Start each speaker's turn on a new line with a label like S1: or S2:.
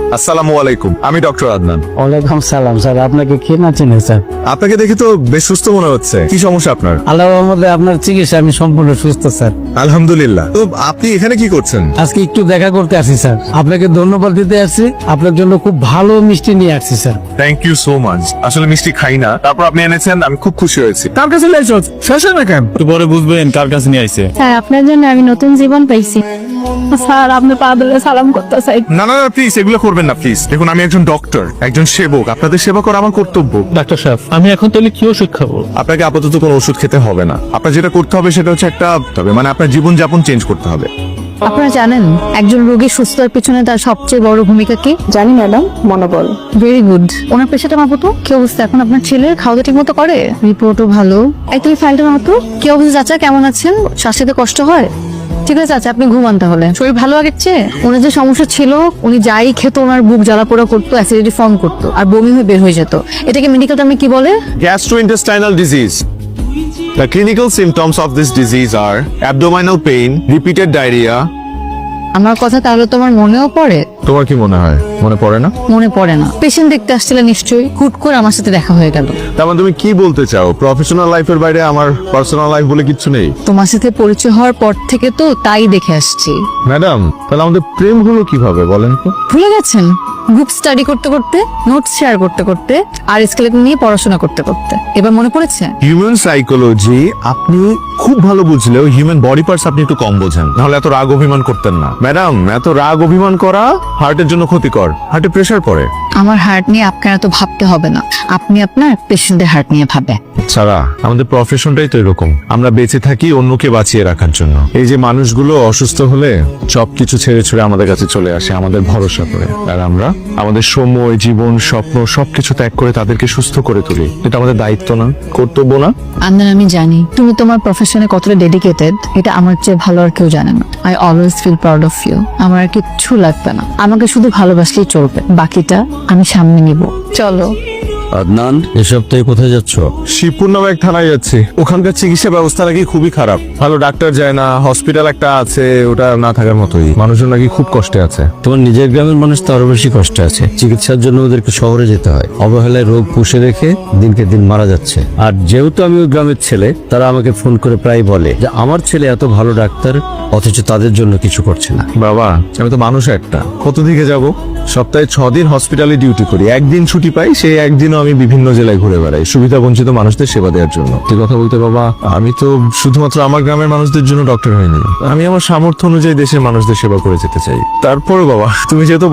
S1: আসসালামু আলাইকুম, আমি ডক্টর আদনান।
S2: ওয়ালাইকুম সালাম স্যার, আপনাকে কে না চিনে স্যার?
S1: আপনাকে দেখে তো বেশ সুস্থ মনে হচ্ছে। কি সমস্যা আপনার?
S2: আল্লাহর রহমতে আপনার চিকিৎসা আমি সম্পূর্ণ সুস্থ স্যার।
S1: আলহামদুলিল্লাহ। তো আপনি এখানে কি করছেন?
S2: আজকে একটু দেখা করতে আসি স্যার, আপনাকে ধন্যবাদ দিতে আসছি। আপনার জন্য খুব ভালো মিষ্টি নিয়ে আসছি sir.
S1: Thank you so much. আসলে মিষ্টি খাই না, তারপর আপনি এনেছেন, আমি খুব খুশি হয়েছি।
S2: কার কাছে লাইছো শেষ না কেন?
S3: একটু পরে বুঝবেন কার কাছে নিয়ে আইছে।
S4: স্যার আপনার জন্য আমি নতুন জীবন পাইছি। স্যার আপনি পা ধরে সালাম করতে চাই।
S1: না না প্লিজ এগুলো করবেন না প্লিজ। দেখুন আমি একজন ডক্টর, একজন সেবক, আপনাদের সেবা করা আমার কর্তব্য।
S3: ডাক্তার সাহেব, আমি এখন তাহলে কি ওষুধ খাবো?
S1: আপনাকে আপাতত কোনো ওষুধ খেতে হবে না। আপনার যেটা করতে হবে সেটা হচ্ছে মানে আপনার জীবন যাপন চেঞ্জ করতে হবে।
S4: আপনারা জানেন একজন রোগী সুস্থ হওয়ার পিছনে তার সবচেয়ে বড় ভূমিকা কি?
S5: জানি ম্যাডাম, মনোবল।
S4: Very good. ওনার পেশাটা মাপো তো। কি অবস্থা এখন আপনার ছেলের? খাওয়া ঠিক মতো করে? রিপোর্টও ভালো। এই তুমি ফাইলটা মাপো। কি অবস্থা চাচা, কেমন আছেন? শ্বাস নিতে কষ্ট হয়? ঠিক আছে চাচা, আপনি ঘুমান তাহলে। শরীর ভালো আগের চেয়ে? ওনার যে সমস্যা ছিল, উনি যাই খেত ওনার বুক জ্বালা পোড়া করতো, অ্যাসিডিটি ফর্ম করতো আর বমি হয়ে বের হয়ে যেত। এটাকে মেডিকেল টার্মে কি বলে?
S1: Gastrointestinal disease. The clinical symptoms of this disease are abdominal pain, repeated diarrhea.
S4: আমার কথা তাহলে তোমার মনেও পড়ে?
S1: তোমার কি মনে হয় মনে পড়ে না?
S4: মনে পড়ে না। পেশেন্ট দেখতে আসছিলে নিশ্চয়ই, হুট করে আমার সাথে দেখা হয়ে গেল।
S1: তার মানে তুমি কি বলতে চাও প্রফেশনাল লাইফের বাইরে আমার পার্সোনাল লাইফ বলে কিচ্ছু নেই?
S4: তোমার সাথে পরিচয় হওয়ার পর থেকে তো তাই দেখে আসছি।
S1: ম্যাডাম, তাহলে আমাদের প্রেম হলো কিভাবে বলেন তো?
S4: ভুলে গেছেন? গ্রুপ স্টাডি করতে করতে, নোটস শেয়ার করতে করতে আর স্কেলেটন নিয়ে পড়াশোনা করতে করতে। এবার মনে পড়েছে?
S1: হিউম্যান সাইকোলজি আপনি খুব ভালো বুঝলেও হিউম্যান বডি পার্টস আপনি একটু কম বোঝেন। নাহলে এত রাগ অভিমান করতেন না। ম্যাডাম, এত রাগ অভিমান করা হার্টের জন্য ক্ষতিকর। হার্টে প্রেসার পড়ে।
S4: আমার হার্ট নিয়ে আপনার এত ভাবতে হবে না, আপনি আপনার পেশেন্টের হার্ট নিয়ে ভাবে।
S1: সারা, আমাদের প্রফেশনটাই তো এরকম। আমরা বেঁচে থাকি অন্যকে বাঁচিয়ে রাখার জন্য। এই যে মানুষগুলো অসুস্থ হলে সবকিছু ছেড়ে ছুড়ে আমাদের কাছে চলে আসে আমাদের ভরসা করে, আর আমরা আমাদের সময়, জীবন, স্বপ্ন সবকিছু ত্যাগ করে তাদেরকে সুস্থ করে তুলি। এটা আমাদের দায়িত্ব না, কর্তব্য না?
S4: আন্দার, আমি জানি তুমি তোমার প্রফেশনে কতটা ডেডিকেটেড, এটা আমার চেয়ে ভালো আর কেউ জানে না। I always feel proud of you. আমার আর কিচ্ছু লাগবে না, আমাকে শুধু ভালোবাসলেই চলবে, বাকিটা আমি সামনে নিব। চলো।
S2: আদনান, এ সপ্তাহে কোথায় যাচ্ছ?
S1: শিবপুর নামে এক থানায় যাচ্ছি। ওখানকার চিকিৎসা ব্যবস্থা নাকি খুবই খারাপ। ভালো ডাক্তার যায় না, হসপিটাল একটা আছে ওটা না থাকার মতোই। মানুষজন নাকি খুব কষ্টে আছে।
S2: তোমার নিজের গ্রামের মানুষ তো আরো বেশি কষ্টে আছে। চিকিৎসার জন্য ওদেরকে শহরে যেতে হয়। অবহেলায় রোগ পুষে রেখে দিনকে দিন মারা যাচ্ছে। আর যেহেতু আমি ওই গ্রামের ছেলে, তারা আমাকে ফোন করে প্রায় বলে যে আমার ছেলে এত ভালো ডাক্তার, অথচ তাদের জন্য কিছু করছে না।
S1: বাবা, আমি তো মানুষ একটা, কত দিকে যাব? সপ্তাহে 6 দিন হসপিটালে ডিউটি করি, একদিন ছুটি পাই। সেই একদিনও আমি বিভিন্ন জেলায় ঘুরে বেড়াই সুবিধা বঞ্চিত মানুষদের সেবা দেওয়ার জন্য। তুই কথা বলতে বাবা, আমি তো শুধুমাত্র আমার গ্রামের মানুষদের জন্য ডক্টর হইনি। আমি আমার সামর্থ্য অনুযায়ী দেশের মানুষদের সেবা করে যেতে চাই। তারপরে বাবা, তুমি যেহেতু